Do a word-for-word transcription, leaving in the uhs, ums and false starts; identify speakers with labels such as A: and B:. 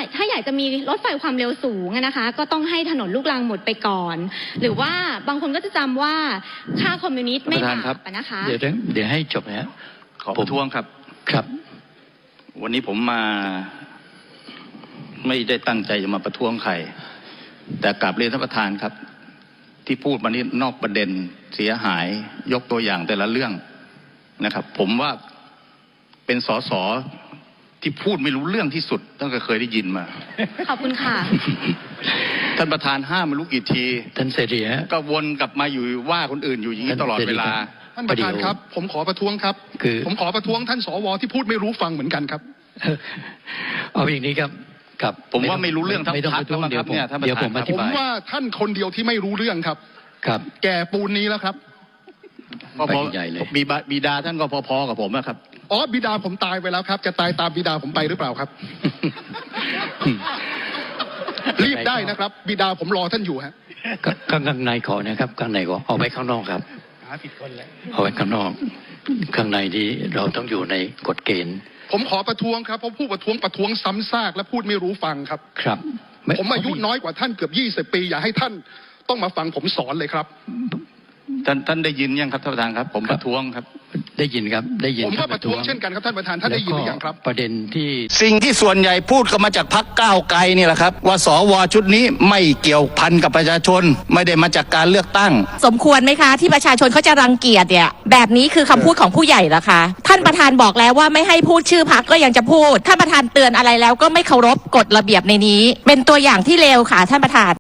A: ถ้าอยากจะมีรถไฟความเร็วสูงนะคะก็ต้องให้ถนนลูกรังหมดไปก่อนหรือว่าบางคนก็จะจำว่าค่าคอมมิวนิสต์ไม่บาปนะคะ
B: เดี๋ยวเดี๋ยวให้จบนะฮะ
C: ขอประท้วงครับ
B: ครับ
C: วันนี้ผมมาไม่ได้ตั้งใจจะมาประท้วงใครแต่กลับเรียนท่านประธานครับที่พูดมานี้นอกประเด็นเสียหายยกตัวอย่างแต่ละเรื่องนะครับผมว่าเป็นสสที่พูดไม่รู้เรื่องที่สุดตั้งแต่เคยได้ยินมา
A: ขอบคุณค่ะ
C: ท่านประธานห้ามไม่รู้กี่ที
B: ท่านเสรีฮะ
C: ก็วนกลับมาอยู่ว่าคนอื่นอยู่อย่างนี้ตลอดเวลา
D: ท่านประธานครับผมขอประท้วงครับคือผมขอประท้วงท่านสวที่พูดไม่รู้ฟังเหมือนกันครับ
B: เอาอย่างนี้ครับครับ
C: ผมว่าไม่รู้เรื่องทั้งพักแล้วครับเนี่ยท่านประธาน
D: ผมผมว่าท่านคนเดียวที่ไม่รู้เรื่องครับ
B: ครับ
D: แก่ปูนนี้แล้วครับ
C: พอๆมีบิดาท่านก็พอๆกับผมนะครับ
D: อ๋อบิดาผมตายไปแล้วครับจะตายตามบิดาผมไปหรือเปล่าครับรีบได้นะครับบิดาผมรอท่านอยู่ฮะ
B: ข้างในขอนะครับข้างในขอเอาไว้ข้างนอกครับ
D: หาผิดคนแล้ว
B: เอาไว้ข้างนอกข้างในนี้เราต้องอยู่ในกฎเกณฑ์
D: ผมขอประท้วงครับเพราะผู้ประท้วงประท้วงซ้ำซากและพูดไม่รู้ฟังครับ
B: ครับ
D: ผมอายุน้อยกว่าท่านเกือบยี่สิบปีอย่าให้ท่านต้องมาฟังผมสอนเลยครับ
C: ท่านท่านได้ยินยังครับท่านประธานครับผมประท้วงครับ
B: ได้ยินครับได้ยิน
D: ผมก็ประท้วงเช่นกันครับท่านประธานท่านได้ยินหรือยังครับ
B: ประเด็นที่
C: สิ่งที่ส่วนใหญ่พูดก็มาจากพรรคก้าวไกลนี่แหละครับว่าสวชุดนี้ไม่เกี่ยวพันกับประชาชนไม่ได้มาจากการเลือกตั้ง
E: สมควรไหมคะที่ประชาชนเขาจะรังเกียจเนี่ยแบบนี้คือคำพูดของผู้ใหญ่เหรอคะท่านประธานบอกแล้วว่าไม่ให้พูดชื่อพรรคก็ยังจะพูดท่านประธานเตือนอะไรแล้วก็ไม่เคารพกฎระเบียบในนี้เป็นตัวอย่างที่เลวค่ะท่านประธาน